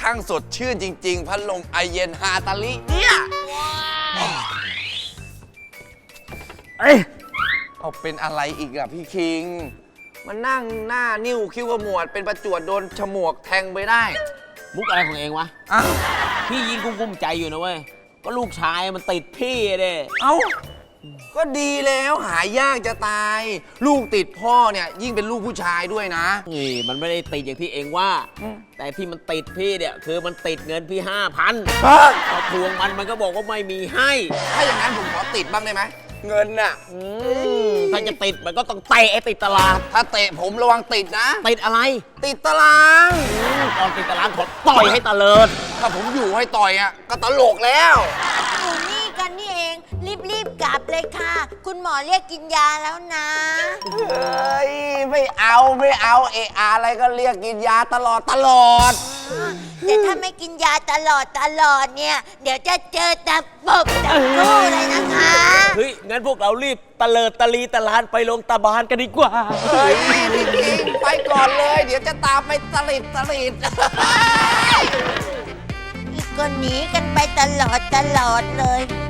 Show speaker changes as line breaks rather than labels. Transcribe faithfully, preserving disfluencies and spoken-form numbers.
ช่างสดชื่นจริงๆพัดลมไอเย็นฮาตาลิเนี่ยเอ้ยเอาเป็นอะไรอีกอะพี่คิงมันนั่งหน้านิ้วคิ้วขมวดเป็นประจวดโดนฉมวกแทงไปได้
มุกอะไรของเองวะพี่ยิงกุ้มๆใจอยู่นะเว้ยก็ลูกชายมันติดพี่เด้
เอ้าก็ดีแล้วหายากจะตาย ลูกติดพ่อเนี่ยยิ่งเป็นลูกผู้ชายด้วยนะ
นี่มันไม่ได้ติดอย่างที่เองว่าแต่ที่มันติดพี่เนี่ยคือมันติดเงินพี่ห้าพันพอทวงมันมันก็บอกว่าไม่มีให้
ถ้าอย่างนั้นผมขอติดบ้างได้ไหมเงินน่ะ
ถ้าจะติดมันก็ต้องเตะไอ้ติดตาราง
ถ้าเตะผมระวังติดนะ
ติดอะไร
ติดตาราง
ตอนติดตารางขอต่อยให้ตะเลิด
ถ้าผมอยู่ให้ต่อยอ่ะก็ตลกแล้ว
อยู่นี่กันนี่เองรีบๆกลับเลยค่ะคุณหมอเรียกกินยาแล้วนะ
เฮ้ยไม่เอาไม่เอาเอะอะไรก็เรียกกินยาตลอดตลอด
แต่ถ้าไม่กินยาตลอดตลอดเนี่ยเดี๋ยวจะเจอแต่ปบแต่กู้เลยนะคะ
เฮ้ยงั้นพวกเรารีบตะเลิดตะลีตะลานไปลงตาบานกันดีกว่า
เฮ้ยพี่คิงไปก่อนเลยเดี๋ยวจะตามไปตลิดตลิด
อีกคนหนีกันไปตลอดตลอดเลย